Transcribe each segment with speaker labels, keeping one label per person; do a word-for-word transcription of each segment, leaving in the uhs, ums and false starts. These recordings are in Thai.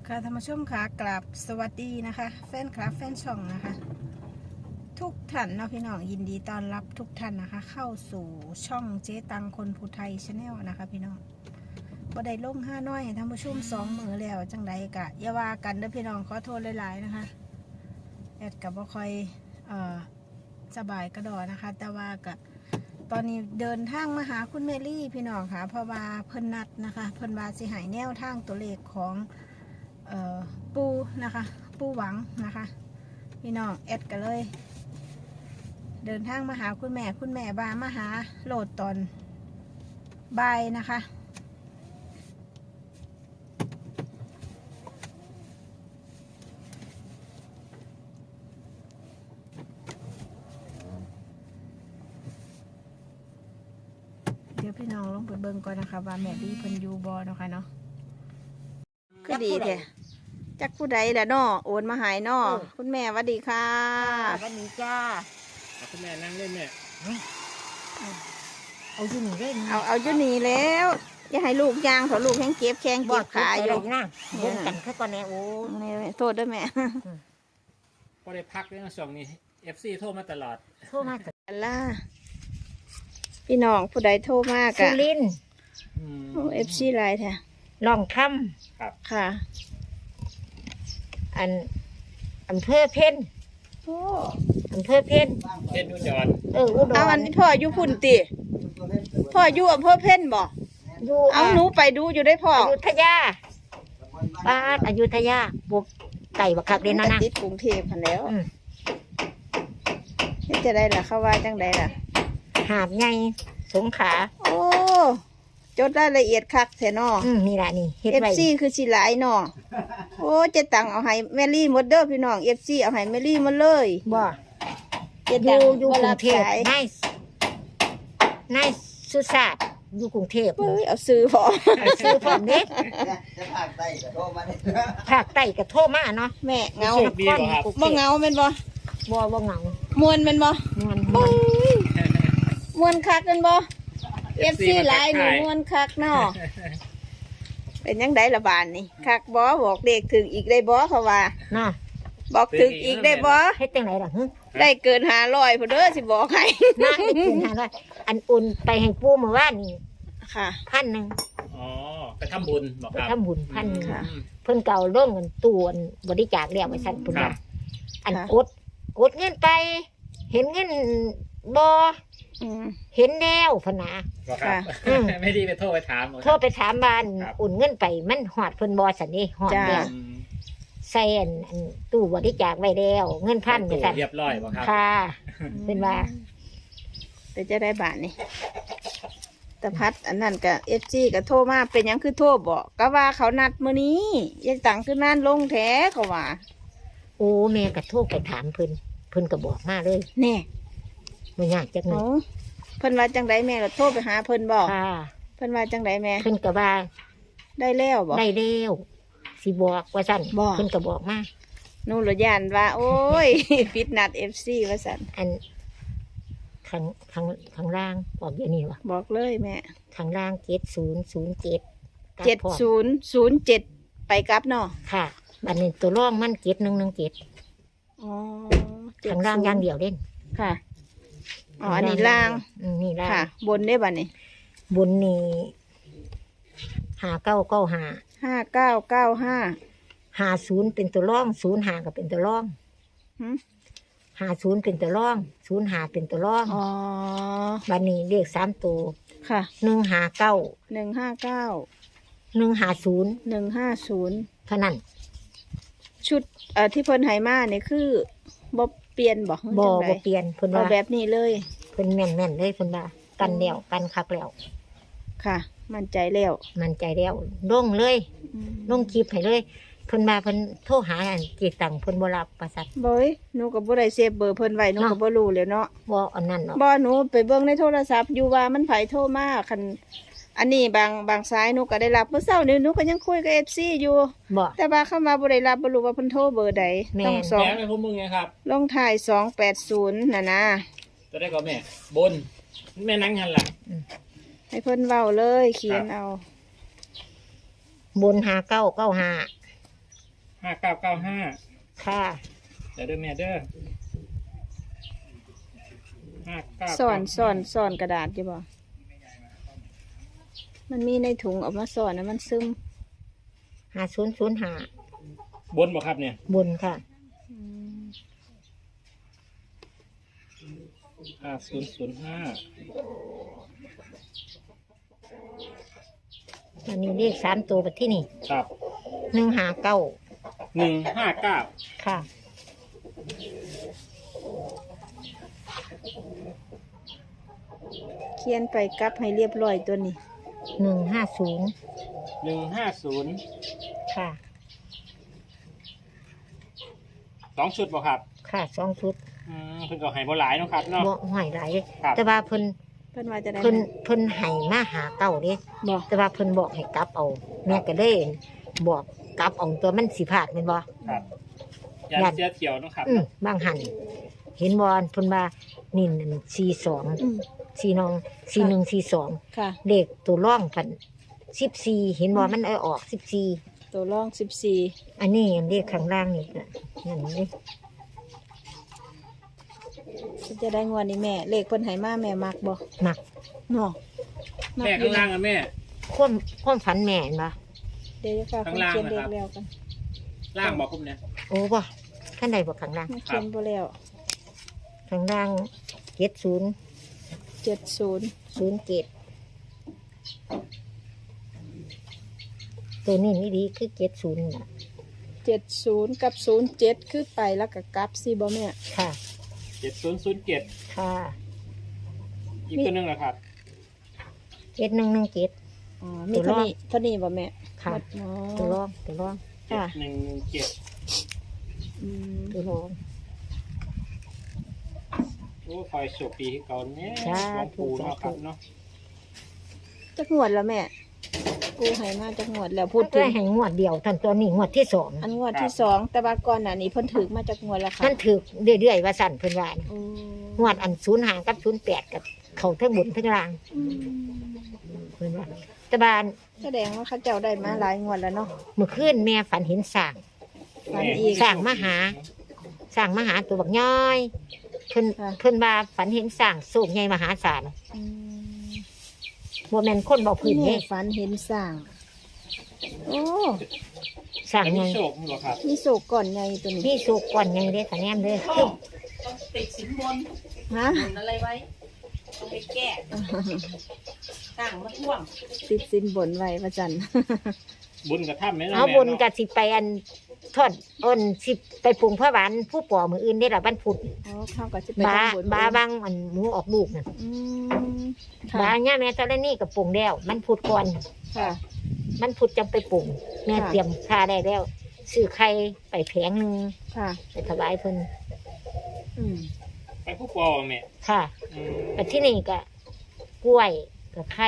Speaker 1: ค่ะท่านผู้ชมค่ะกราบสวัสดีนะคะแฟนคลับแฟนช่องนะคะ ทุกท่านเนาะพี่น้องยินดีต้อนรับทุกท่านนะคะ เข้าสู่ช่องเจ๊ตังคนภูไทยชาแนลนะคะพี่น้องบ่ได้ลงห้าน้อยท่านผู้ชมสองมือแล้วจังใดกะอย่าว่ากันเด้อพี่น้องขอโทษหลายๆนะคะแอดกับบ่ค่อยเอ่อสบายกระดอนะคะ แต่ว่ากะตอนนี้เดินทางมาหาคุณเมลี่พี่น้องค่ะเพราะว่าเพิ่นนัดนะคะเพิ่นว่าสิหายแนวทางตัวเลขของเอ่อปูนะคะปูหวังนะคะพี่น้องแอดกันเลยเดินทางมาหาคุณแม่คุณแม่บามาหาโหลดตอนบ่ายนะคะเดี๋ยวพี่น้องลงไปเบิ่งก่อนนะคะว่าแม่ดีเพิ่นอยู่บ่เนาะค่ะเนาะคือดีแท้จักผู้ใดล่ะเนาะโอนมาหายเนาะคุณแม่สวัสดีค่ะ
Speaker 2: วันนี้จ้า
Speaker 3: เอาคุณแม่นั่งเล่นเนี่ย
Speaker 2: เอาอยู่นี่เล่น
Speaker 1: เอาเอาอยู่นี่แล้วอย่าให้ลูกยางเขาลูกแข้งเก็บแข้ง
Speaker 2: บอ
Speaker 1: เก็
Speaker 2: ด
Speaker 1: บ
Speaker 2: ขา
Speaker 1: ขา
Speaker 2: อ
Speaker 1: อยู่
Speaker 2: ยู่นะบนกันแค่ก่อนแน่โอ้
Speaker 1: นี่โทษด้วยแม่
Speaker 3: ก็ได้พักเรื่องช่วงนี้ เอฟ ซี โทรมาตลอด
Speaker 2: โทรมาจาก
Speaker 1: อัลล่าพี่น้องผู้ใดโทรมาก
Speaker 2: สุ
Speaker 1: อะ
Speaker 2: รินทร์
Speaker 3: อืม
Speaker 1: เอฟซีไลน์แท้
Speaker 2: ลองค
Speaker 1: ค่ะ
Speaker 2: ำอันอำเภอเพ่น
Speaker 1: โอ้
Speaker 2: อำเภอเพ่น
Speaker 3: เพชรอุดร
Speaker 2: เอออุดร
Speaker 1: เอาอันนี้พ่ออยู่พุ่นติพ่ออยู่อำเภอเพ่นบ่
Speaker 2: อยู่
Speaker 1: เอาหนูไปดูอยู่ได้พ่อ
Speaker 2: อยุธยาบ้านอยุธยาบุกไก่บักคักเด่นนะนะ
Speaker 1: ติดกรุงเทพพันแล้ว
Speaker 2: อืม
Speaker 1: เฮ็ดจะได้ล่ะเขาว่าจังไดล่ะ
Speaker 2: หาดไงสงขลา
Speaker 1: โอ้จดรายละเอียดคักแท้น้อ
Speaker 2: อืมนี่แหละนี่เฮ็ด
Speaker 1: เอฟ
Speaker 2: ไว้
Speaker 1: ซีคือสิหลายน้อโอ้เจ๊ตังเอาให้แมรี่หมดเด้อพี่น้องเอฟซีเอาให้แมรี่หมดเลย
Speaker 2: บ่
Speaker 1: เจ๊
Speaker 2: อ
Speaker 1: ตั
Speaker 2: ยู่
Speaker 1: ง
Speaker 2: อยู่
Speaker 1: บ่
Speaker 2: กรุ
Speaker 1: รั
Speaker 2: ง
Speaker 1: บ
Speaker 2: เทพ
Speaker 1: สาย
Speaker 2: นายนายสุชาติอยู่กรุงเทพ
Speaker 1: เฮ้ยเอาซื้อพอ
Speaker 2: ซื้อพร้อมเด้
Speaker 4: จะภาคใต้ก็โทรมาเนี่ย
Speaker 2: ภาคใต้ก็โทรมาเนาะ
Speaker 1: แม่เงา
Speaker 3: โชคดีบ่ครับ
Speaker 1: บ่เงาแม่นบ่
Speaker 2: บ่บ่เหงาม
Speaker 1: วนแม่นบ่
Speaker 2: ม่วนม่
Speaker 1: โอ้
Speaker 2: วน
Speaker 1: ยมวนคักแม่นบ่ เอฟ ซี หลายหนูมวนคักเนาะเป็นยังไดละบานนี่คักบ่บอกเด็กถึงอีกได้บ่เขาว่า
Speaker 2: เนาะ
Speaker 1: บอกถึงอีกได้บ่
Speaker 2: เฮ็ดจังไดล่ะฮึ
Speaker 1: ได้เกินห้าร้อยพุ่นเด้อสิบอกให้
Speaker 2: นางได้กินหาร้อยอันอุ่นไปให้ปู่เมื่อวานนี่
Speaker 1: ค่ะ
Speaker 2: พันหนึง
Speaker 3: อ๋อ ไปทำบุญบอก
Speaker 2: ไป
Speaker 3: ครับ
Speaker 2: ทำบุญพันหนึง
Speaker 1: ค่ะ
Speaker 3: อืม
Speaker 2: เพิ่นเก่าร่วมกันตู้อันบริจาคแล้วไว้ซั่นเพิ่น
Speaker 3: ครั
Speaker 2: ว่า
Speaker 3: บ
Speaker 2: อัน
Speaker 1: ค่ะ
Speaker 2: กดกดเงินไป เห็นเงินบ่
Speaker 1: อืม
Speaker 2: เห็นแล้วพะนะ
Speaker 3: บอกครับ
Speaker 2: อืม
Speaker 3: ไม่ดีไปโทรไปถามหมด
Speaker 2: โทรไปถามบ้าน
Speaker 3: ครับ
Speaker 2: อุ่นเงินไปมันฮอดเพิ่นบ่ซั่นนี่ฮอดแล้ว
Speaker 3: อืม
Speaker 2: ใส่อันอันตู้บริจาคไว้แล้วเงินพัน
Speaker 3: ตู้
Speaker 2: ไว้ซั่น
Speaker 3: เรียบร้อยบอกครับ
Speaker 2: ค่ะ เป็นว่า
Speaker 1: แต่จะได้บาทนี่แต่พัดอันนั้นก็เอฟซีก็โทรมาเป็นหยังคือโทรบอกก็ว่าเขานัดมื้อนี้ยังตังคือนั่นลงแท้เขาว่า
Speaker 2: โอ้แม่ก็โทรไปถามเพิ่นเพิ่นก็บอกมาเลย
Speaker 1: แน่
Speaker 2: บ่ยากจักหนึ
Speaker 1: เอา
Speaker 2: ง
Speaker 1: เพิ่นว่าจังไดแม่ก็โทรไปหาเพิ่นบอก
Speaker 2: ค่ะ
Speaker 1: เพิ่นว่าจังไดแม่
Speaker 2: เพิ่นก็ว่า
Speaker 1: ได้แล้วบอก
Speaker 2: ได้แล้วสิบอกว่าซั่น
Speaker 1: บอก
Speaker 2: เพิ่นก็บอกมา
Speaker 1: นู่นเหรอยานว่า โอ้ย ฟิตนัดเอฟซีว่าสัน
Speaker 2: อันข้างข้างข้างล่างบอกอย่างนี้วะ
Speaker 1: บอกเลยแม่
Speaker 2: ข้างล่างเจ็ดศูนย์ศูนย์เจ็ด
Speaker 1: เจ็ดศูนย์ศูนย์เจ็ดไปกลับเนาะ
Speaker 2: ค่ะบัดนี้ตัวร่องมันเจ็ดหนึ่งหนึ่งเจ็ด
Speaker 1: อ๋อ
Speaker 2: ข้างล่างอย่างเดียวเด่น
Speaker 1: ค่ะอ๋ออันนี้ล่าง
Speaker 2: อืมนี่ล่าง
Speaker 1: ค่ะ บนได้บัดนี้
Speaker 2: บนนี่หาเก้าเก้าหา
Speaker 1: ห้าเก้าเก้าห้า
Speaker 2: หาศูนย์เป็นตัวร่องศูนย์หาก็เป็นตัวร่อง
Speaker 1: หืม
Speaker 2: หาศูนย์เป็นตัวร่องศูนย์หาเป็นตัวร่อง
Speaker 1: อ๋อ
Speaker 2: บัดนี้เลขสามตัว
Speaker 1: ค่ะ
Speaker 2: หนึ่งหาเก้า
Speaker 1: หนึ่งห้าเก้า
Speaker 2: หนึ่งหาศูนย์
Speaker 1: หนึ่งห้าศูนย์
Speaker 2: เท่านั้น
Speaker 1: ชุดเอ่อที่เพิ่นไหมาเนี่ยคือบ่เปลี่ยนบอก
Speaker 2: บ่
Speaker 1: จังใด
Speaker 2: บ่เปลี่ยนเพิ่น
Speaker 1: เอา
Speaker 2: ว่า
Speaker 1: แบบนี้เลย
Speaker 2: เพิ่นแม่นแม่นๆเลยเพิ่นว่ากันแล้วกันคักแล้ว
Speaker 1: ค่ะ มั่นใจแล้ว
Speaker 2: มันใจแล้วลงเลย
Speaker 1: อืม
Speaker 2: ลงคลิปให้เลยเพิ่นมาเพิ่นโทรหาอันเกีตังเพิ่นบ่รับประสัท
Speaker 1: บอยหนูก็บ่ได้เซฟเบอร์เพิ่นไว้หนูก็
Speaker 2: เนาะ
Speaker 1: บ่รู้แล้วเนาะ
Speaker 2: บ่อันนั้นเนาะ
Speaker 1: บ่หนูไปเบิ่งในโทรศัพท์อยู่ว่ามันไผโทรมาคันอันนี้บางบางสายหนูก็ได้รับเมื่อเช้านี้หนูก็ยังคุยกับ เอฟ ซี อยู่
Speaker 2: บ่
Speaker 1: แต่ว่าเข้ามาบ่ได้รับบ่รู้ว่าเพิ่นโทรเบอร์ใด
Speaker 2: แม่น
Speaker 1: ต้องสอง
Speaker 3: แม่ไม่พวกมึงไงครับ
Speaker 1: ลงท้ายสองแปดศูนย์น่ะนะ
Speaker 3: จะได้ก็แม่ บน แม่นั่งหันหลัง
Speaker 1: ให้เพิ่นเว้าเลยเขียนเอา
Speaker 2: บนหาเก้าเก้าหา
Speaker 3: ห้าเก้าเก้าห้า
Speaker 2: ค่ะ
Speaker 3: เดี๋ยวเด้อแม่เด้อห้าเก้า
Speaker 1: สอนสอนสอนกระดาษอยู่บ่มันมีในถุงเออกมาสอนนะมันซึม
Speaker 2: ห้าศูนย์ศูนย์ห้า
Speaker 3: บนบ่ครับเนี่ย
Speaker 2: บนค่ะ
Speaker 1: อืม
Speaker 3: ห้าศูนย์ศูนย์ห้า
Speaker 2: อันนี้เลขสามตัวแบบที่นี่
Speaker 3: ครับ
Speaker 2: หนึ่งห้าเก้า
Speaker 3: หนึ่งห้าเก้า
Speaker 2: ค่ะ
Speaker 1: เขียนไปกลับให้เรียบร้อยตัวนี้
Speaker 2: หนึ่งห้าศูนย์
Speaker 3: หนึ่งห้าศูนย์
Speaker 2: ค่ะ
Speaker 3: สองชุดบ่ครับ
Speaker 2: ค่ะสองชุด
Speaker 3: อืมเพิ่นก็ให้บ่หลายเนาะครับเนาะ
Speaker 2: บ่หอยไหลาย
Speaker 3: ครับ
Speaker 2: แต่ว่าเพิ่น
Speaker 1: เพิ่นว่าจะได้
Speaker 2: เพิ่นเพิ่นให้มาหาเก้าเด้
Speaker 1: บ่
Speaker 2: แต่ว่าเพิ่นบอกให้กลับเอาแม่ก็เลยบอกกลับเอาตัวมันสิพลาดแม่นบ่
Speaker 3: ครับยา
Speaker 2: ยัน
Speaker 3: เสียเขียวเนาะครับ
Speaker 2: อือบางหันเห็นบอลเพิ่นว่านี่นั่นสี่สอง
Speaker 1: อืม
Speaker 2: สี่น้องสี่หนึ่งสี่สอง
Speaker 1: ค่ะ
Speaker 2: เลขตัวร่องพันสิบสี่เห็นบอลมันเอาออกสิบสี่
Speaker 1: ตัวรองสิบสี่
Speaker 2: อันนี้เลขข้างล่างนี่ก็นั่นนี่
Speaker 1: จะได้งวดนี้แม่ เลขเพิ่นให้มาแม่มักบ่
Speaker 2: หมัก
Speaker 1: เนาะมัก
Speaker 3: แม่
Speaker 1: อยู่
Speaker 3: ข้างล่างอะแม่
Speaker 2: ความความฝันแม่เห็นปะ
Speaker 1: เดี๋ยวจะฝาก
Speaker 3: ข้าง
Speaker 1: เพิ่น
Speaker 3: ล่าง
Speaker 1: เขียนเล
Speaker 3: นะค
Speaker 1: ข
Speaker 3: รับ
Speaker 1: แล้วกัน
Speaker 3: ล่างบอกผมเนี่ย
Speaker 2: โอ้บ่ท่านใดบอกข้างล่าง
Speaker 1: มันเขียนบ่แล้ว
Speaker 2: ข้างล่างเจ็ดศูนย์
Speaker 1: เจ็ดศูนย์
Speaker 2: ศูนย์เจ็ดตัวนี้นี่ดีคือเจ็ดศูนย์น่ะ
Speaker 1: เจ็ดศูนย์กับศูนย์เจ็ดคือไปแล้วก็กลับสิบ่แม่
Speaker 2: ค่ะ
Speaker 3: เจ็ดศูนย์ศูนย์เจ็ด
Speaker 2: ค่ะ
Speaker 3: อีกตัวหนึงนะครับ
Speaker 2: เจ็ดหนึ่งหนึ่งเจ็ด
Speaker 1: อ๋อมีเท่านี้เท่านี้บ่แม่
Speaker 2: ค่ะ
Speaker 1: อ๋อ
Speaker 2: ตัวร่องตัวร่อง
Speaker 3: เจ็ด
Speaker 1: ค่ะ
Speaker 3: หนึ่งเจ็ด
Speaker 1: อืม
Speaker 2: ตัวร่อง
Speaker 3: โอ้คอยโชคดีให้เขาเนี่ย
Speaker 2: จ้า
Speaker 3: หลวงปู่เนาะครับเนาะ
Speaker 1: จักงวดแล้วแม่กูให้มาจักงวดแล้วพูดถึ
Speaker 2: ได้
Speaker 1: ง
Speaker 2: ให้งวดเดียวท่านตัวนี้งวดที่สอง
Speaker 1: อันงวดที่สองแต่ว่าก่อนหน้านี้เพิ่นถือมาจากงวดละค่ะ
Speaker 2: มันถือเรื่อยๆว่าสั่นเพิ่นว่านะ
Speaker 1: อืม
Speaker 2: งวดอันศูนย์หางกับศูนย์แปดกับเขาทั้งบนทั้งล่าง
Speaker 1: อืม
Speaker 2: เพิ่นว่าแต่บาน
Speaker 1: แสดงว่าเขาเจ้าได้มาหลายงวดแล้วเนาะ
Speaker 2: เมื่อคืนแม่ฝันเห็นสร้าง
Speaker 1: ฝันอีก
Speaker 2: สร้างมาหา สร้างมาหาตัวบักย้อยเพิ่น
Speaker 1: ค่ะ
Speaker 2: เพิ่นว่าฝันเห็นสร้างสูงใหญ่มหาศาล
Speaker 1: อืม
Speaker 2: บ่แม่นคนบอกพื้น
Speaker 1: แม่
Speaker 2: เด้
Speaker 1: ฝันเห็นสร้าง โอ้
Speaker 2: สร้าง
Speaker 3: อัน
Speaker 2: ให
Speaker 3: นี้
Speaker 2: ญ่
Speaker 3: โชคมั้งเหรอครับ
Speaker 1: มีโศกก่อนไงตัวนี้
Speaker 2: มีสุกก่อนใหญ่เด้คะแนนเด้อคือ
Speaker 5: ติดสินบน
Speaker 1: ฮะ
Speaker 5: บนอะไรไว้ต้องไปแก้ต่างมาท่วง
Speaker 1: ติดสินบนไว้พระจันทร์
Speaker 3: บุญกระทำไหมล่ะ
Speaker 2: เอา
Speaker 3: แม่
Speaker 2: บุญ
Speaker 3: เนาะ
Speaker 2: ก็สิไปอันทอดอ้นสิไปปรุงพระหวานผู้ป่อมื้ออื่นได้ล่ะวันพุธ
Speaker 1: อ๋อเข้ากับจะไป
Speaker 2: บา
Speaker 1: ทำบุญ
Speaker 2: บาบางอันหมูออกลูกน่ะ
Speaker 1: อืม
Speaker 2: บา
Speaker 1: ค่ะ
Speaker 2: เนี่ยแม่ตอนนี้กับปรุงแล้ว มันพุดก่อน
Speaker 1: ค่ะ
Speaker 2: มันพุดจำไปปรุงแม่
Speaker 1: ค่ะ
Speaker 2: เตรียมค่าได้แล้วซื้อไข่ไปแผงหนึ่ง
Speaker 1: ค่ะ
Speaker 2: ไปถวายเพิ่น
Speaker 1: อืม
Speaker 3: ไปผู้ปอแม่
Speaker 2: ค่ะ
Speaker 3: อืม
Speaker 2: แต่ที่นี่ก็กล้วยกับไข่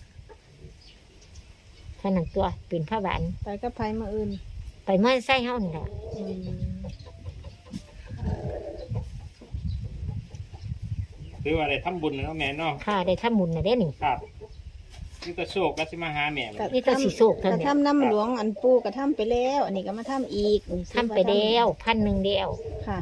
Speaker 2: เท่านั้นตัวเป็นพระหวาน
Speaker 1: ไปกับไผมาอื่น
Speaker 2: ไปเมื่อไส้เฮานี่แหละ
Speaker 1: อืม
Speaker 3: หรือว่าอะไรทำบุญเนาะแม่เนาะ
Speaker 2: ค่ะได้ทำบุญน่ะเด้นี่
Speaker 3: ครับนี่ก็โชคก็สิมาหาแม่
Speaker 1: กะ
Speaker 2: นี่ก็สิโศกเท่าก
Speaker 1: ระ
Speaker 2: นั้น
Speaker 1: ทำน้ำหลวงอันปูกระทำไปแล้ว อันนี้ก็มาทำอีกนี่
Speaker 2: ทำไปแล้วพันหนึ่งเดียว
Speaker 1: ค่ะ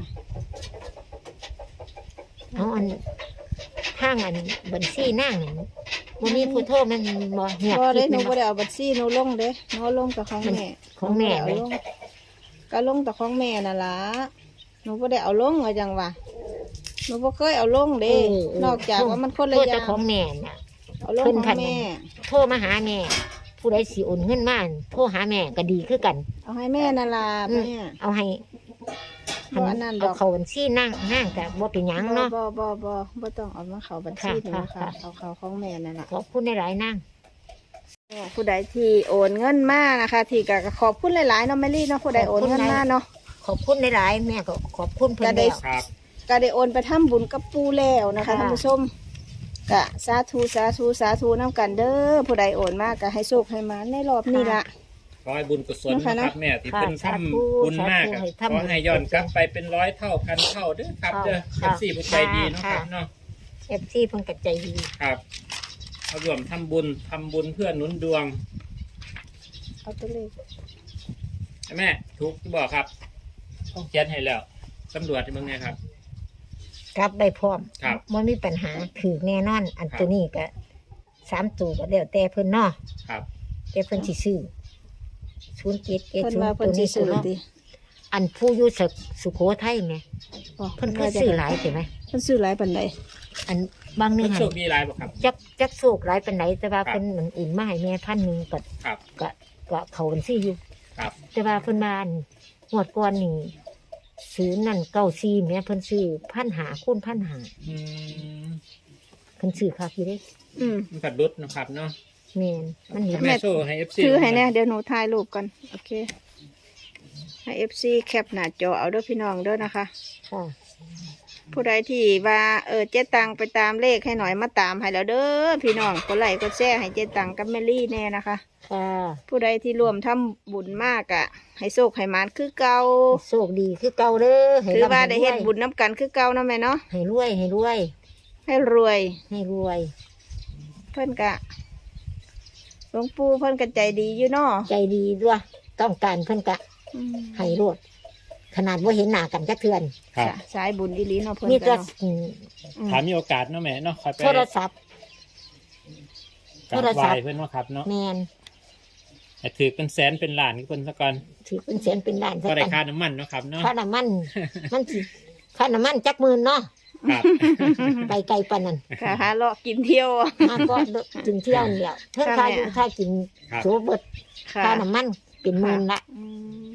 Speaker 2: เอาอันข้างอันบัญชีนั่งนั่นวันนี้ผู้โทษมันบ่เงียบ
Speaker 1: พอ
Speaker 2: คิ
Speaker 1: ได้
Speaker 2: ด
Speaker 1: หนู
Speaker 2: มัน
Speaker 1: บ่
Speaker 2: บ่
Speaker 1: ได้เอาบัตรซี่หนูลงเด้หนูลงแต่ของแม่
Speaker 2: ของแม่
Speaker 1: หนู
Speaker 2: ไหม
Speaker 1: บ่ได้เอาลงก็ลงแต่ของแม่น่ะล่ะหนูบ่ได้เอาลงว่าจังวะหนูบ่เคยเอาลงเด้
Speaker 2: เออเออน
Speaker 1: อกจากว่ามันคนละ
Speaker 2: โทษ
Speaker 1: อ
Speaker 2: แต่
Speaker 1: ย่าง
Speaker 2: ของแม่น่ะ
Speaker 1: เอาลง
Speaker 2: เพิ่น
Speaker 1: ข
Speaker 2: พั
Speaker 1: อน งแม่
Speaker 2: โทรมาหาแม่ ผู้ใดสิโอนเงินมาโทรหาแม่ก็ดีคือกัน
Speaker 1: เอาให้แม่น่ะล่ะ
Speaker 2: อืม
Speaker 1: แม่
Speaker 2: เอาให้
Speaker 1: บ่อันนั้นด
Speaker 2: เอา
Speaker 1: อก
Speaker 2: เขาบัญชีนั่งนั่งกับบ่เป็นหยังเนาะ
Speaker 1: บ่บ่บ่บ่ต้องเอามาเข้าบัญชีหนู
Speaker 2: ค่ะ
Speaker 1: ค่ะ
Speaker 2: ค่ะ
Speaker 1: เอาเข้าของแม่นั่นล่ะ
Speaker 2: ขอบคุณหลายๆนั่ง
Speaker 1: ผู้ใดที่โอนเงินมานะคะ ที่ก็ขอบคุณหลายๆเนาะแมรี่เนาะผู้ใดโอนเงินมาเนาะ
Speaker 2: ขอบคุณหลายๆแม่ก็ขอบคุณเพิ่น
Speaker 1: ก็ได้
Speaker 2: แล้ว
Speaker 3: ครับ
Speaker 1: ก็ได้โอนไปทำบุญกับปูแล้วนะคะ
Speaker 2: ค่ะ
Speaker 1: ท่านผู้ชมกะสาธุสาธุสาธุน้ำกันเด้อผู้ใดโอนมากก็ให้โชคให้มาในรอบนี้ละ
Speaker 3: ขอให้บุญกุศล
Speaker 1: นะคะ
Speaker 3: นะ
Speaker 1: เนาะ
Speaker 3: ครับแม่ที่
Speaker 2: ค่ะ
Speaker 3: เพิ่น
Speaker 2: สา
Speaker 3: ท
Speaker 2: ธุ
Speaker 3: ำบุญมาก
Speaker 2: สาธุ
Speaker 3: อะ
Speaker 2: ให้
Speaker 3: ข
Speaker 2: ทำ
Speaker 3: อให้ย้อนกลับไปเป็นร้อยเท่าพันเท่าเด้อครับเด้อ
Speaker 2: ค่ะ
Speaker 3: เอฟซีผู้ใจดีเนาะครับเนาะ
Speaker 2: เอฟซีเพิ่นก็ใจดี
Speaker 3: ครับเอารวมทำบุญทำบุญเพื่อหนุนดวง
Speaker 1: เอาตัวเลข
Speaker 3: เอแม่ถูกบอกครับต้องเขียนให้แล้วตำรวจมึงไงครับ
Speaker 2: กลับได้พร้อม
Speaker 3: ครับ
Speaker 2: มันมีปัญหาถือแน่นอน อันตัวนี้ก็สามตัวก็แล้วแต่เพิ่นเนาะ
Speaker 3: ครับ
Speaker 2: แต่เพิ่นสิซื้อศูนย์เจ็ดเจ็ด
Speaker 1: เพิ่น
Speaker 2: ศูน
Speaker 1: ว่า
Speaker 2: ย์
Speaker 1: เพิ่
Speaker 2: ตั
Speaker 1: น
Speaker 2: ว
Speaker 1: สิ
Speaker 2: นี้
Speaker 1: ซื้อ
Speaker 2: เนาะ
Speaker 1: ติ
Speaker 2: อันผู้อยู่สุสุโขทัยไง
Speaker 1: อ๋อ
Speaker 2: เพิ่นเคยซื้อหลายใช่ไหม
Speaker 1: เพิ่นซื้อหลายปานใด
Speaker 2: อันบางหนึ
Speaker 3: มั
Speaker 2: ง
Speaker 3: น
Speaker 2: ให้
Speaker 3: โชคดีหลายบ่ครับ
Speaker 2: จักจักโศกหลายปานไหนแต่ว่า
Speaker 3: ครับ
Speaker 2: เพิ่นเหมือนอุ่นมาให้แม่พันหนึ่งก็
Speaker 3: ครับ
Speaker 2: ก็ก็เขาบัญชีอยู่
Speaker 3: ครับ
Speaker 2: แต่ว่าเพิ่นมาอันงวดก่อนนี่ซื้อนั่นเก้าซีแม่เพิ่นซื้อพันหาคูณพันหา
Speaker 3: อืม
Speaker 2: เพิ่นซื้อค่าพี่เด้
Speaker 1: อืม
Speaker 3: มันกัดรุดนะครับเนาะ
Speaker 2: แม่นมันเห็น
Speaker 3: แม่โชว์ให้เอฟซี
Speaker 1: ถือให้แน่เดี๋ยวหนูถ่ายรูปกันโอเคให้ เอฟ ซี แคปหน้าจอเอาเด้อพี่น้องเด้อนะคะ
Speaker 2: ค่ะ
Speaker 1: ผู้ใดที่ว่าเออเจ๊ตังไปตามเลขให้หน่อยมาตามให้แล้วเด้อพี่น้องกดไลค์กดแชร์ให้เจ๊ตังกับแมรี่แน่นะคะ
Speaker 2: ค่ะ
Speaker 1: ผู้ใดที่รวมทำบุญมากอะให้โชคให้หมานคือเก่า
Speaker 2: โชคดีคือเก่าเด้อให้
Speaker 1: ถือว่า
Speaker 2: ร่ำ
Speaker 1: ได้
Speaker 2: ให้
Speaker 1: เฮ็ด
Speaker 2: รวย
Speaker 1: บุญน้ำกันคือเก่านะแม่เนาะ
Speaker 2: ให้รวยให้รวย
Speaker 1: ให้รวย
Speaker 2: ให้รวย
Speaker 1: เพิ่นกะหลวงปู่เพิ่นกะใจดีอยู่เนาะ
Speaker 2: ใจดีด้วยต้องการเพิ่นกะ
Speaker 1: อืม
Speaker 2: ให้รวดขนาดว่าเห็นหน้ากันจักเทือน
Speaker 3: ครับ
Speaker 1: จ้ะสายบุญดีหลีเนาะเพิ่น
Speaker 2: มี
Speaker 1: กะ
Speaker 2: แต่
Speaker 1: เนาะ
Speaker 2: อืม
Speaker 1: อืม
Speaker 3: ถามมีโอกาสเนาะแม่เนาะคอยไป
Speaker 2: โทรศัพท์
Speaker 3: กราบ
Speaker 2: โทรศั
Speaker 3: ไห
Speaker 2: พท์
Speaker 3: ว้เพื่อนว่าครับเนาะ
Speaker 2: แมน
Speaker 3: แต่ถือเป็นแสนเป็นล้านก็เพิ่นซะก่อน
Speaker 2: ถือเป็นแสนเป็นล้าน
Speaker 3: ก็
Speaker 2: ซะ
Speaker 3: ได้
Speaker 2: กัน
Speaker 3: ค่าน้ำมันเนาะครับเนาะ
Speaker 2: ค่าน้ำมัน มันสิค่าน้ำมันจักหมื่นเนาะ
Speaker 3: ครับ
Speaker 2: ไปไกลปานนั้น
Speaker 1: ค่ะหาเลาะกินเที่ยว
Speaker 2: มาก็กินเที่ยวเดียวเท่า
Speaker 1: ค่ะ
Speaker 2: ค่า
Speaker 1: แม่
Speaker 2: อยู่ค่ากิน
Speaker 3: ครับ
Speaker 2: โซเบิด
Speaker 1: ค่ะ
Speaker 2: ค่าน้ำมันเป็นหมื่นละ
Speaker 1: อืม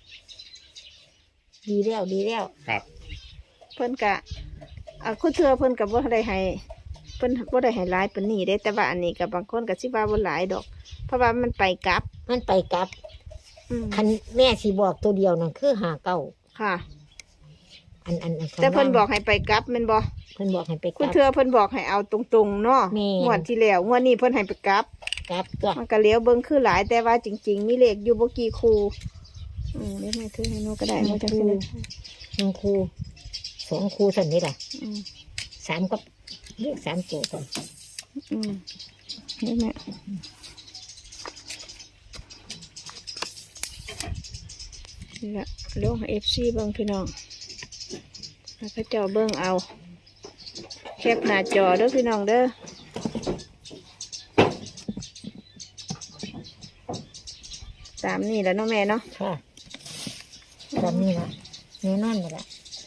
Speaker 2: ดีแล้วดีแล้ว
Speaker 3: ครับ
Speaker 1: เพิ่นกะอ่าคุณเธอเพิ่นกับว่าได้ให้เพิ่นว่าได้ให้หลายปานนี้ได้แต่ว่าอันนี้กับบางคนก็สิว่าบ่หลายดอก เพราะว่ามันไปกลับ
Speaker 2: มันไปกลับ
Speaker 1: อืม
Speaker 2: คันแม่สิบอกตัวเดียวนั่นคือหาเก้า
Speaker 1: ค่ะ
Speaker 2: อันอันอันข้าง
Speaker 1: แต่เพิ่น
Speaker 2: ล่าง
Speaker 1: บอกให้ไปกลับแม่นบ่
Speaker 2: เพิ่นบอกให้ไปก
Speaker 1: คุณ
Speaker 2: ลับ
Speaker 1: เธอเพิ่นบอกให้เอาตรงๆเนาะ
Speaker 2: แม่น
Speaker 1: งวดที่แล้วงวดนี้เพิ่นให้ไปกลับ
Speaker 2: กลับตัว
Speaker 1: มันก็เลี้ยวเบิ่งคือหลายแต่ว่าจริง ๆ มีเลขอยู่บ่กี่คู่อืมเดี๋ยวแม่ถือให้หนูก็ได้หนูจังสิได้
Speaker 2: หนึ่งครูสองครูสันนี้ล่ะ
Speaker 1: อืม
Speaker 2: สามก็เรียกสามตัวกัน
Speaker 1: อืมนี่แม่นี่ละลง เอฟ ซี เบิ่งพี่น้องแล้วก็เจ้าเบิ่งเอา แคปหน้าจอเด้อพี่น้องเด้อตามนี่แหล้วเนาะแม่เนาะ
Speaker 2: ค่ะตอนนี้ล่ะแน่นอนเลยล่ะ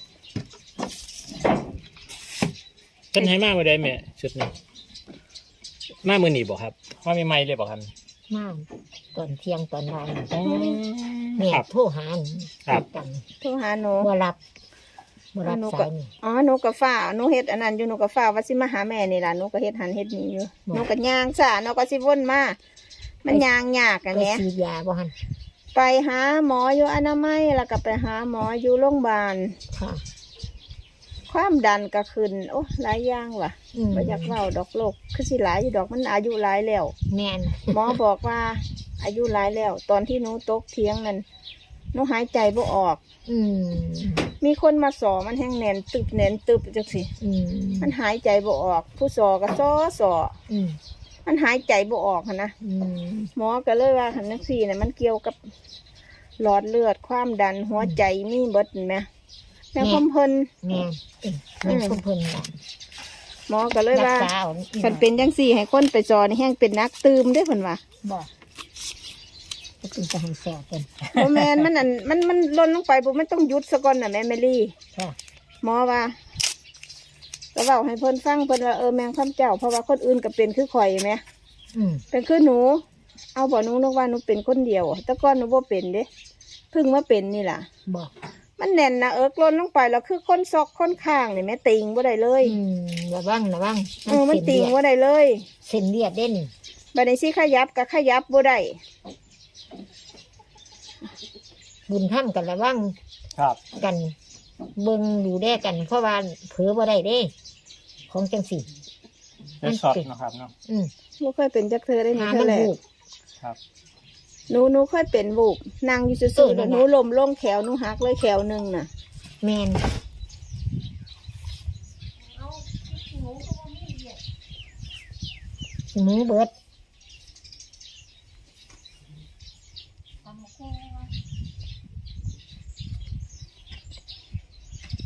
Speaker 3: เพิ่นให้มากมาได้แม่ชุดนี้มามือหนีบอกครับว่ามีไม้เลยบอกครับ
Speaker 2: มากตอนเที่ยงตอนบ่าย
Speaker 3: อ๋อ
Speaker 2: แม่
Speaker 3: ครับ
Speaker 2: โทรหา
Speaker 3: ครับ
Speaker 2: ตัง
Speaker 1: โทรหาหนู
Speaker 2: บ่รับบ่รับ
Speaker 1: หนู
Speaker 2: สา
Speaker 1: ก็
Speaker 2: ยนี่
Speaker 1: อ๋อหนูก็ฟ้าหนูเฮ็ดอันนั้นอยู่หนูก็ฟ้าว่าสิมาหาแม่นี่ล่ะหนูก็เฮ็ดหันเฮ็ดนี่อยู่หนูก็ย่างซ่าหนูก็สิวนมามันย่างยากอะ
Speaker 2: ไป
Speaker 1: แหม่
Speaker 2: ฉีดยาบ่หัน
Speaker 1: ไปหาหมออยู่อนามัยแล้วก็ไปหาหมออยู่โรงพยาบาล
Speaker 2: ค่ะ
Speaker 1: ความดันก็ขึ้นโอ้หลายอย่างว่ะ
Speaker 2: อืม
Speaker 1: บ่อยากเล่าดอกโลกคือสิหลายอยู่ดอกมันอายุหลายแล้ว
Speaker 2: แม่น
Speaker 1: หมอบอกว่า อายุหลายแล้ว ตอนที่หนูตกเทียงนั่นหนูหายใจบ่ออก
Speaker 2: อืม
Speaker 1: มีคนมาสอมันแห้งแน่นตึบแน่นตึบจังสิ
Speaker 2: อืม
Speaker 1: มันหายใจบ่ออก ผู้สอก็ซอสอ
Speaker 2: อืม
Speaker 1: มันหายใจบ่ออกหั้นนะ
Speaker 2: อืม
Speaker 1: หมอก็เลยว่าหันนักสี่เนี่ยมันเกี่ยวกับหลอดเลือดความดันหัวใจมีเบิดเห็นไหมแม่คมเพิ่น
Speaker 2: แม่นเอ้ยแม่นคุมเพิ่นล่ะ
Speaker 1: หมอก็เลย
Speaker 2: รัก
Speaker 1: ว่า
Speaker 2: ษาเอา
Speaker 1: คันเป็นจังสี่ให้คนไปจอนี่แห้งเป็นนักตืมได้อเพิ่นว่า
Speaker 2: บ่ก็เป็นจะให้แซ่บเพิ่น
Speaker 1: โมแมนมันอันมันมันล่นลงไปปุ๊บมันต้องหยุดซะก่อนน่ะแม่เมลี่
Speaker 2: ค่ะ
Speaker 1: หมอว่าก็เว้าให้เพิ่นฟังเพิ่นว่าเออแมงคำเจ้าเพราะว่าคนอื่นก็เป็นคือข่อยแหม
Speaker 2: อืม
Speaker 1: เป็นคือหนู เอาบ่หนูนึกว่าหนูเป็นคนเดียวแต่ก่อนหนูบ่เป็นเด้เพิ่งมาเป็นนี่ล่ะ
Speaker 2: บ่
Speaker 1: มันแน่นนะเอิกล้นลงไปแล้วคือคนซอกคนข้างนี่แม่ติงบ่ได้เลย
Speaker 2: อืมระวังระวัง
Speaker 1: เออมันติง
Speaker 2: เส้นเลือด
Speaker 1: บ่ได้เลย
Speaker 2: เส้นเลือดเด่น
Speaker 1: บัดนี้สิขยับก็ขยับบ่ได้
Speaker 2: บุญท่านกันระวัง
Speaker 3: ครับ
Speaker 2: กันเบิ่งดูแลกัน เพราะว่าเผลอบ่ได้เด้ ของจังสี่
Speaker 3: ได้ช็อตนะครับเนาะ
Speaker 2: อืม
Speaker 1: บ่เคยเป็นจักเธอได้นี่
Speaker 2: หา
Speaker 1: เธ
Speaker 2: มั
Speaker 1: อน แหละ
Speaker 2: บุก
Speaker 3: ครับ
Speaker 1: หนูหนูเคยเป็นบุกนั่งอยู่
Speaker 2: เอ
Speaker 1: ซื่อ
Speaker 2: อ
Speaker 1: ๆ
Speaker 2: นั่
Speaker 1: แล้ว
Speaker 2: น
Speaker 1: ห
Speaker 2: น่ะ
Speaker 1: นูล้มลงแขวหนูหักเลยแขวหนึงน่ะ
Speaker 2: แมนหมูเบิด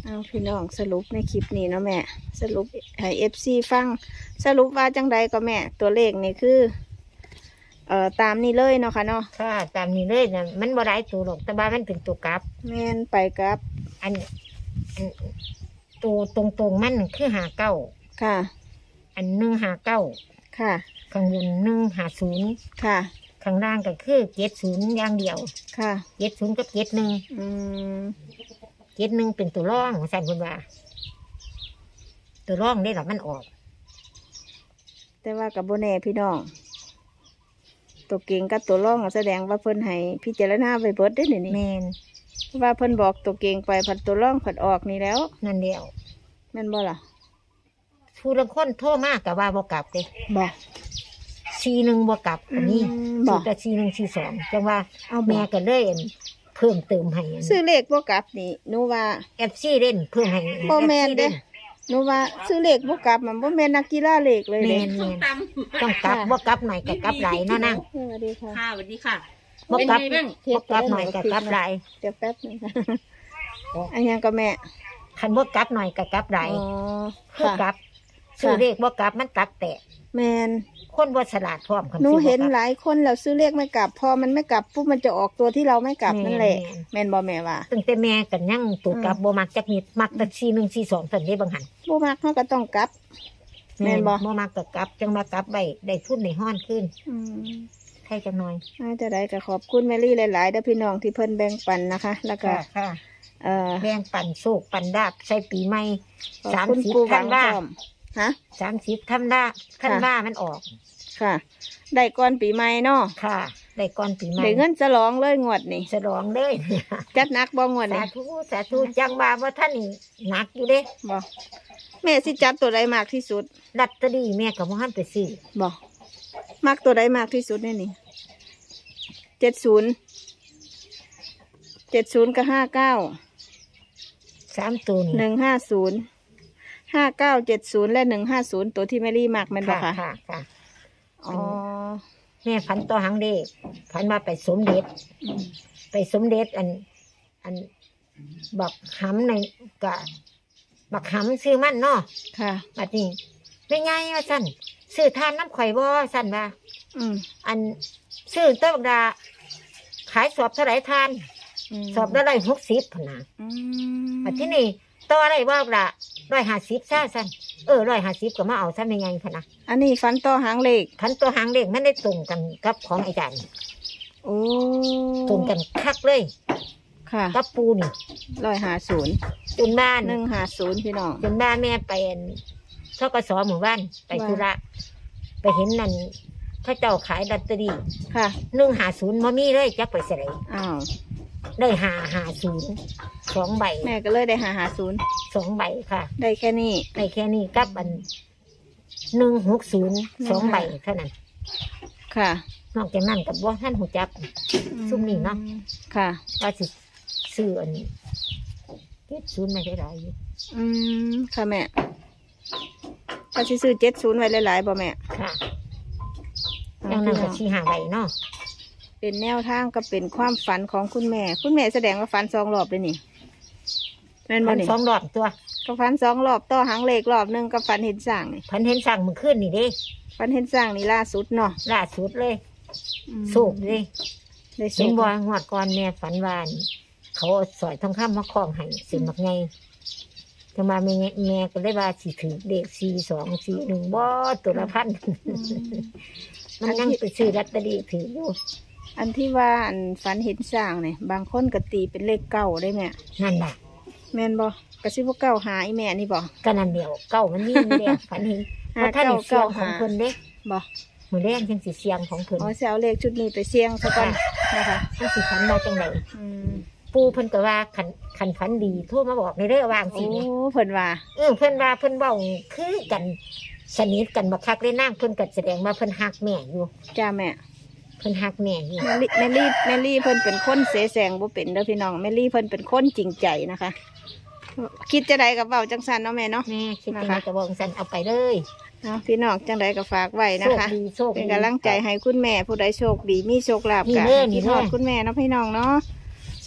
Speaker 1: เอาพี่น้องสรุปในคลิปนี้เนาะแม่สรุปให้เอฟซีฟังสรุปว่าจังใดก็แม่ตัวเลขนี่คือเอ่อตามนี้เลยเนาะค่ะเนาะ
Speaker 2: ค่ะตามนี้เลยนะมันบ่ได้ตัวหรอกแต่ว่ามันเป็นตัวกลับ
Speaker 1: แม่นไปกับ
Speaker 2: อันอันตัวตรงๆมันคือหาเก้า
Speaker 1: ค่ะ
Speaker 2: อันหนึ่งหาเก้า
Speaker 1: ค่ะ
Speaker 2: ข้างบนหนึ่งหาศูนย์
Speaker 1: ค่ะ
Speaker 2: ข้างล่างก็คือเจ็ดศูนย์อย่างเดียว
Speaker 1: ค่ะ
Speaker 2: เจ็ดศูนย์กับเจ็ดหนึ่ง
Speaker 1: อืม
Speaker 2: เจ็ดหนึ่งเป็นตัวร่องสั่นคนว่า ตัวร่องได้หรอมันออก
Speaker 1: แต่ว่ากับโบแน่พี่น้อง ตัวเก่งกับตัวร่องแสดงว่าเพิ่นให้พิจารณาไปเบิดได้หนิ
Speaker 2: แม
Speaker 1: นี่
Speaker 2: น
Speaker 1: เพราะว่าเพิ่นบอกตัวเก่งไปผัดตัวร่องผัดออกนี่แล้ว
Speaker 2: นั่นเดียว
Speaker 1: แม่นบ่ล่ะ
Speaker 2: ผู้ละคนโทษมากกับว่าบ่กลับเลย
Speaker 1: บอก
Speaker 2: ซีหนึ่งบ่กลับอันนี้
Speaker 1: อืมบอก
Speaker 2: แต่ซีหนึ่งซีสองจังว่า
Speaker 1: เอาบ
Speaker 2: แม่
Speaker 1: อก
Speaker 2: ก็เลยอั่นเพิ่มเติมให้
Speaker 1: ซื้อเลขบ่กลับนี่หนูว่า
Speaker 2: เอฟซีเล่นเพิ่มให้
Speaker 1: บ่แม่นเด้
Speaker 2: เล่น
Speaker 1: หนูว่าซื้อเลขบ่กลับมันบ่แม่นนักกีฬาเลขเลย
Speaker 2: แม
Speaker 1: เด้
Speaker 2: นแมน
Speaker 5: ต
Speaker 2: ต้องกลับบ่กลับหน่อยก็กลับหลายเนาะนั่ง
Speaker 1: สวัสดีค่ะ
Speaker 5: ำค่ะสวัสดีค่ะ
Speaker 2: บ่กลับ
Speaker 5: เป็นไงบ้าง
Speaker 2: บ่กลับหน่อยก็กลับหลาย
Speaker 1: เดี๋ยวแป๊บนึงค่ะอันยังก็แม่
Speaker 2: คันบ่กลับหน่อยก็กลับหลาย
Speaker 1: อ๋อ
Speaker 2: คือก
Speaker 1: ค่ะ
Speaker 2: ลับซื้อเลขบ่กลับมันตักแตก
Speaker 1: แมน
Speaker 2: คนบ่ฉลาดพร้อมคัน
Speaker 1: หนู
Speaker 2: ซื้อบ่
Speaker 1: เห็น
Speaker 2: กลับ
Speaker 1: หลายคนแล้วซื้อเลขไม่กลับ พอมันไม่กลับปุ๊บมันจะออกตัวที่เราไม่กลับ
Speaker 2: แม่น
Speaker 1: นั่นแหละ
Speaker 2: แม่น
Speaker 1: แมนบอแม่ว่า
Speaker 2: ตั้งแต่แม่กันยังตัวกลับ
Speaker 1: อืม
Speaker 2: บ่มักจักนิดมักแต่ซีหนึ่งซีสองซั่นเด้บางหัน
Speaker 1: บ่มักเขาก็ต้องกลับ แม่นบ่
Speaker 2: บ่มักก็กลับจังว่ากลับไว้ได้ทุนในห้อนขึ้น
Speaker 1: อืม
Speaker 2: ให้จังหน่อย
Speaker 1: น่าจะได้ก็ขอบคุณแมรี่หลายๆเด้อพี่น้องที่เพิ่นแบ่งปันนะคะ แล้วก็
Speaker 2: ค่ะค่ะ
Speaker 1: เอ่อ
Speaker 2: แบ่งปันโชคปันดาบใส่ปีใหม่
Speaker 1: ขอบ
Speaker 2: สาม
Speaker 1: คุณ
Speaker 2: สิบ
Speaker 1: ปูหวั
Speaker 2: ธั
Speaker 1: ง
Speaker 2: นวา
Speaker 1: พร้อมฮะ
Speaker 2: สามสิบธันวาธันวามันออก
Speaker 1: ค่ะ ได้ก่อนปีใหม่เนาะ
Speaker 2: ค่ะ ได้ก่อนปีใหม่
Speaker 1: ได้เงินฉลองเลยงวดนี่
Speaker 2: ฉลองเลย
Speaker 1: จัดหนักบ่งวด
Speaker 2: สา
Speaker 1: นี่
Speaker 2: ธุสาธุจังว่าว่าท่านนี่หนักอยู่เด้
Speaker 1: บ่แม่สิจัดตัวใดมากที่สุด
Speaker 2: ลัตเตอรี่แม่กับพ่อหันไปซื้อ
Speaker 1: บ่มักตัวใดมากที่สุดเนี่ยนี่เจ็ดศูนย์เจ็ดศูนย์กับห้าเก้า
Speaker 2: สามตัวนี่
Speaker 1: หนึ่งห้าศูนย์ห้าเก้าเจ็ดศูนย์และหนึ่งห้าศูนย์ตัวที่แมรี่มากแมันบ่
Speaker 2: ค่ะ
Speaker 1: คะ
Speaker 2: ค่ะค่ะ
Speaker 1: อ๋อ
Speaker 2: แม่ฝันต่อหังเด็กฝันมาไปสมเด็จ
Speaker 1: อืม
Speaker 2: ไปสมเด็จอัน อันบักหำในกะบักหำซื้อมันเนาะ
Speaker 1: ค่ะ
Speaker 2: บัดนี้ไม่ไงว่าสั่นซื้อทานน้ำข่อยบ่สั่นว่า
Speaker 1: อืม
Speaker 2: อันซื้อเต้าบักดา ขายสอบเท่าไหรทาน
Speaker 1: ม
Speaker 2: สอบได้ร้อยหกสิบพนนะ
Speaker 1: อืม
Speaker 2: บัดที่นี่ต่ออะไรบ่บักดาร้อยห้าสิบซ่าสั่นเออร้อยห้าสิบก็มาเอาซะไม่ไงพะนะ
Speaker 1: อันนี้ฟันต่อหางเลข
Speaker 2: ขันตัวหางเลขมันได้ตรงกันกับของอาจารย์
Speaker 1: โอ้
Speaker 2: ตรงกันคักเลย
Speaker 1: ค่ะ
Speaker 2: กับปูนี่
Speaker 1: ร้อยห้าศูนย์
Speaker 2: จนบ้าน
Speaker 1: หนึ่งห้าศูนย์พี่น้อง
Speaker 2: จนบ้านแม่ไปอั่นทกสหมู่บ้านไป
Speaker 1: ว่า
Speaker 2: ธุระไปเห็นนั่นเขาเจ้าขายลอตเตอรี่
Speaker 1: ค่ะ
Speaker 2: หนึ่งหาศูนย์มามีเลยจักไปเสย
Speaker 1: อ้าว
Speaker 2: ได้หาหาศูนย์สองใบ
Speaker 1: แม่ก็เลยได้หาหาศูนย์
Speaker 2: สองใบค่ะ
Speaker 1: ได้แค่นี้
Speaker 2: ในแค่นี้กับอันหนึ่งหกศูนย์สองใบเท่านั้น
Speaker 1: ค่ะ
Speaker 2: นอกจากนั้นกับว่าท่านหูจับ ซุ่มนี่เนาะ
Speaker 1: ค่ะ
Speaker 2: ว่าสิซื้ออันเจ็ดศูนย์ไม่ได้หลายอยู่
Speaker 1: อืมค่ะแม่ก็สิซื้อเจ็ดศูนย์ไว้หลายๆบ่แม่
Speaker 2: ค่ะอย่างนั้นก็ชี้หาใบเนาะ
Speaker 1: เป็นแนวทางก็เป็นความฝันของคุณแม่ คุณแม่แสดงว่าฝันสองรอบเลยนี่แม่นบ่
Speaker 2: พัน
Speaker 1: นี่
Speaker 2: สองรอบตัว
Speaker 1: ก็ฝันสองรอบต่อหางเลขรอบหนึงก็ฝันเห็นสร้างนี่
Speaker 2: พันเห็นสั่งมือขึ้นนี่เด้
Speaker 1: ฝันเห็นสร้างนี่ล่าสุดเนาะ
Speaker 2: ล่าสุดเลย
Speaker 1: อืม
Speaker 2: สูกเลย
Speaker 1: ได้สุ
Speaker 2: เห็น
Speaker 1: ก
Speaker 2: บ่งวดก่อนแม่ฝันวาอั่นเขาเอาสอยทองคำมาคล้องให้สิมักไงจะมาแม่แม่ก็เลยว่าสิถือเด็กสี่สองสี่หนึ่งบ่ตัวละพัน
Speaker 1: อืม
Speaker 2: มันยังไปซื้อลอตเตอรี่ถืออยู่
Speaker 1: อันที่ว่าอันฝันเห็นสร้างเนี่ยบางคนก็ตีเป็นเลขเก้าได้แม่
Speaker 2: นั่นแหละ
Speaker 1: แม่นบ่กระซิบว่าเก้าหาอีแม่นี่บ่
Speaker 2: ก็นั่นเดียวเก้ามันมีนี่เดียวฝันเห็น
Speaker 1: หา
Speaker 2: ว่าท่านได้เสียง
Speaker 1: เก้า
Speaker 2: ของ
Speaker 1: หา
Speaker 2: เพิ่นเด้
Speaker 1: บ่
Speaker 2: มือแรงจังสิเสียงของเพิ่น
Speaker 1: อ๋อสิเอาเลขชุดนี้ไปเสี่ยงซะก่อนนะคะ
Speaker 2: มันสิฝันมาจังได
Speaker 1: อืม
Speaker 2: ปู่เพิ่นก็ว่าคันคันฝันดีโทรมาบอกในเรื่องวางสิ
Speaker 1: โอ้
Speaker 2: เนี่ย
Speaker 1: เพิ่นว่า
Speaker 2: เออเพิ่นว่าเพิ่นเว้าคือกันสนิทกันบักคักเลยนางเพิ่นก็แสดงว่าเพิ่นฮักแม่อยู่
Speaker 1: จ้าแม่
Speaker 2: เพิ่นฮักแม่อยู่
Speaker 1: แมลี่แมลี่แมลี่เพิ่นเป็นคนเสแสร้งบ่เป็นเด้อพี่น้องแมลี่เพิ่นเป็นคนจริงใจนะคะ คิดจะใดกับเว้าจังสันเนาะแม่เนาะ
Speaker 2: แม่คิดจัง
Speaker 1: นะคะ
Speaker 2: ไดก็บอกซั่นเอาไปเลย
Speaker 1: เนาะพี่น้องจังใดก็ฝากไว้นะ
Speaker 2: โชค
Speaker 1: คะ
Speaker 2: ดีโชค
Speaker 1: เป็น
Speaker 2: ดี
Speaker 1: กำลังใจให้คุณแม่ผู้ใดโชคดีมีโชคลาภ
Speaker 2: นี่
Speaker 1: กัน
Speaker 2: เด้อนี่
Speaker 1: ที่
Speaker 2: เด้
Speaker 1: ท
Speaker 2: อ
Speaker 1: อดคุณแม่เนาะพี่น้องเนาะ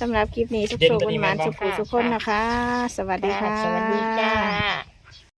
Speaker 1: สำหรับคลิปนี้สุข
Speaker 3: เด่น
Speaker 1: สุข
Speaker 3: ตัวนี้
Speaker 1: หวาน
Speaker 3: แม่นบ่
Speaker 1: ๆสุขสุขคนนะคะ สวัสดีค่ะ
Speaker 2: สวัสดีจ้า